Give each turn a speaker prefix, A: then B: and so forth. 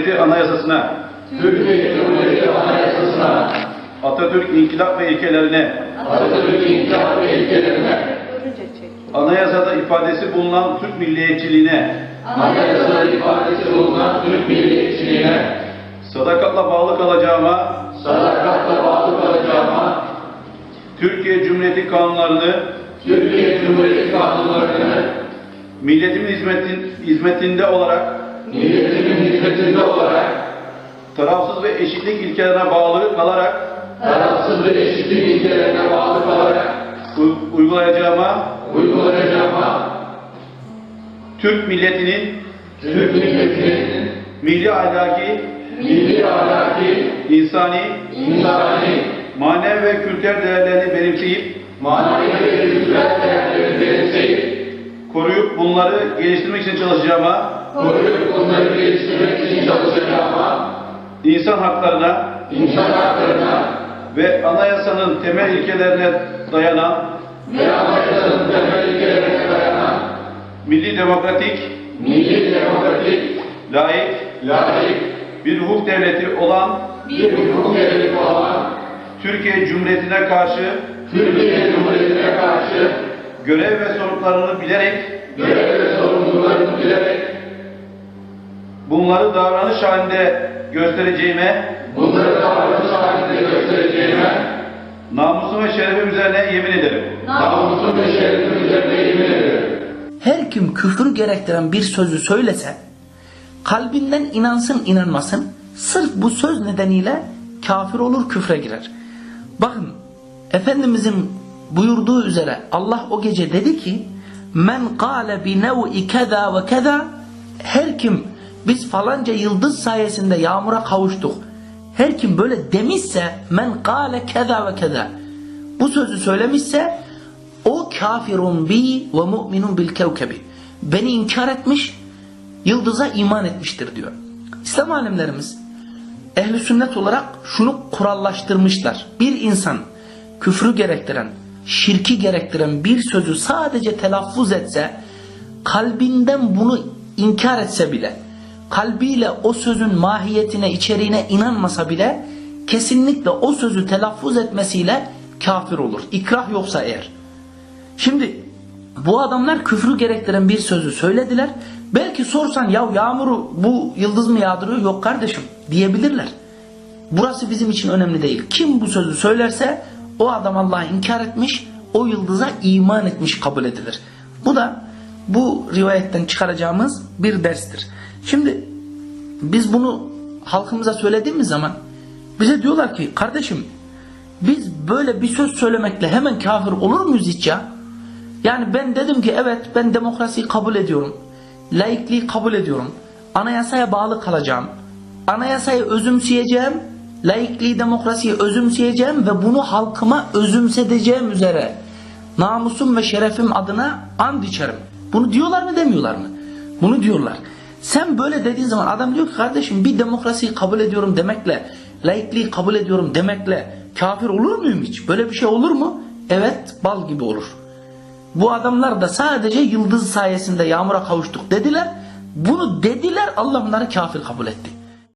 A: Cumhuriyeti Anayasasına,
B: Türkiye Cumhuriyeti Anayasasına,
A: Atatürk İnkılap ve ilkelerine,
B: Atatürk İnkılap ve ilkelerine,
A: anayasada ifadesi bulunan Türk milliyetçiliğine,
B: anayasada ifadesi bulunan Türk milliyetçiliğine,
A: sadakatle bağlı kalacağıma,
B: sadakatle bağlı kalacağıma,
A: Türkiye Cumhuriyeti kanunlarını,
B: Türkiye Cumhuriyeti kanunlarını,
A: milletimin hizmetinde olarak,
B: milletimin hizmetinde olarak,
A: tarafsız ve eşitlik ilkelerine bağlı kalarak,
B: tarafsız ve eşitlik ilkelerine bağlı kalarak,
A: uygulayacağıma, Türk milletinin
B: Türk milletinin
A: milli ahlaki,
B: insani,
A: manevi ve kültürel değerlerini benimseyip,
B: manevi ve kültürel değerlerini benimseyip,
A: koruyup bunları geliştirmek için çalışacağıma, insan haklarına ve anayasanın temel ilkelerine dayanan milli demokratik, layık bir hukuk devleti olan Türkiye Cumhuriyeti'ne karşı görev ve sorumluluklarını bilerek bunları davranış halinde göstereceğime, namusum ve şerefim üzerine yemin ederim.
C: Her kim küfür gerektiren bir sözü söylese, kalbinden inansın inanmasın, sırf bu söz nedeniyle kafir olur, küfre girer. Bakın, Efendimizin buyurduğu üzere Allah o gece dedi ki, men kâle bi nev'i keza ve keza, her kim biz falanca yıldız sayesinde yağmura kavuştuk, her kim böyle demişse, men kâle keza ve keza, bu sözü söylemişse, o kafirun bi ve mu'minun bil kevkebi, beni inkar etmiş, yıldıza iman etmiştir diyor. İslam alimlerimiz ehl-i sünnet olarak şunu kurallaştırmışlar. Bir insan küfrü gerektiren, şirki gerektiren bir sözü sadece telaffuz etse, kalbinden bunu inkar etse bile, kalbiyle o sözün mahiyetine, içeriğine inanmasa bile, kesinlikle o sözü telaffuz etmesiyle kafir olur. İkrah yoksa eğer. Şimdi bu adamlar küfrü gerektiren bir sözü söylediler. Belki sorsan ya yağmuru bu yıldız mı yağdırıyor? Yok kardeşim diyebilirler. Burası bizim için önemli değil. Kim bu sözü söylerse o adam Allah'ı inkar etmiş, o yıldıza iman etmiş kabul edilir. Bu da bu rivayetten çıkaracağımız bir derstir. Şimdi biz bunu halkımıza söylediğimiz zaman bize diyorlar ki kardeşim biz böyle bir söz söylemekle hemen kafir olur muyuz hiç ya? Yani ben dedim ki evet ben demokrasiyi kabul ediyorum. Laikliği kabul ediyorum. Anayasaya bağlı kalacağım. Anayasayı özümseyeceğim. Laikliği, demokrasiyi özümseyeceğim ve bunu halkıma özümsedeceğim üzere namusum ve şerefim adına and içerim. Bunu diyorlar mı demiyorlar mı? Bunu diyorlar. Sen böyle dediğin zaman adam diyor ki kardeşim bir demokrasiyi kabul ediyorum demekle, laikliği kabul ediyorum demekle kafir olur muyum hiç? Böyle bir şey olur mu? Evet, bal gibi olur. Bu adamlar da sadece yıldız sayesinde yağmura kavuştuk dediler. Bunu dediler, Allah bunları kafir kabul etti.